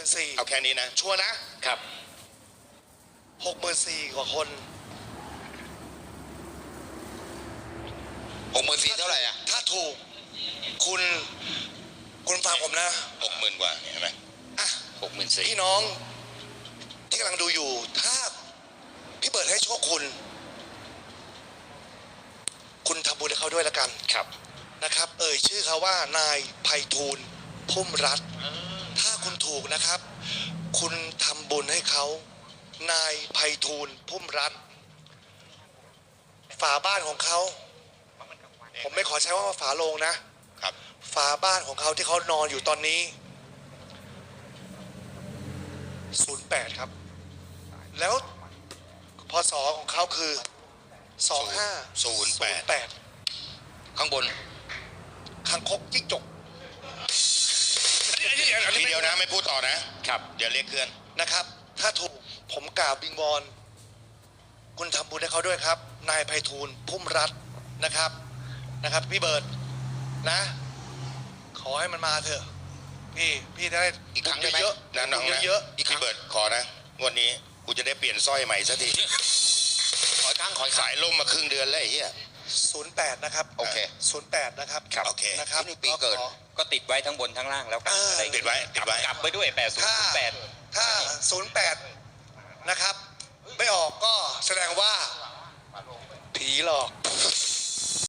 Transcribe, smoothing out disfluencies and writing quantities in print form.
64,000 เอาแค่นี้นะชัวร์นะครับ64,000กว่าคน 64,000เท่าไหร่อ่ะถ้าถูกคุณฟังผมนะ 60,000 กว่าเห็นไหมอ่ะ 64,000 พี่น้องที่กำลังดูอยู่ถ้าพี่เบิร์ดให้โชคคุณทำบุญให้เขาด้วยละกันครับนะครับ เอ่ยชื่อเขาว่านายไพฑูรย์พุ่มรัตน์ถ้าคุณถูกนะครับ คุณทำบุญให้เขานายไพฑูรย์พุ่มรัตน์ฝาบ้านของเขาผมไม่ขอใช้ว่าฝาโลงนะครับ ฝาบ้านของเขาที่เขานอนอยู่ตอนนี้08ครับแล้วพศของเขาคือ2508 ข้างบนคางคกจิ้งจกทีเดียวนะไม่พูดต่อนะ ครับ เดี๋ยวเรียกเคลื่อนนะครับ ถ้าถูกผมกล่าวบิงวอนคุณทำบุญให้เขาด้วยครับ นายไพฑูรย์พุ่มรัตน์นะครับพี่เบิร์ดนะ ขอให้มันมาเถอะพี่จะได้อีกครั้งได้ไหมเยอะนะน้องนะเยอะอีกครั้งพี่เบิร์ดขอนะงวดนี้กูจะได้เปลี่ยนสร้อยใหม่สักที ขอครั้งสายล่มมาครึ่งเดือนแล้วไอ้เหี้ย 08นะครับโอเค 08นะครับครับโอเคนะครับนี่ปีเกิดก็ติดไว้ทั้งบนทั้งล่างแล้วกันอะไรติดไว้กลับไปด้วยถ้า 8008 08นะครับไม่ออกก็แสดงว่าผีหลอก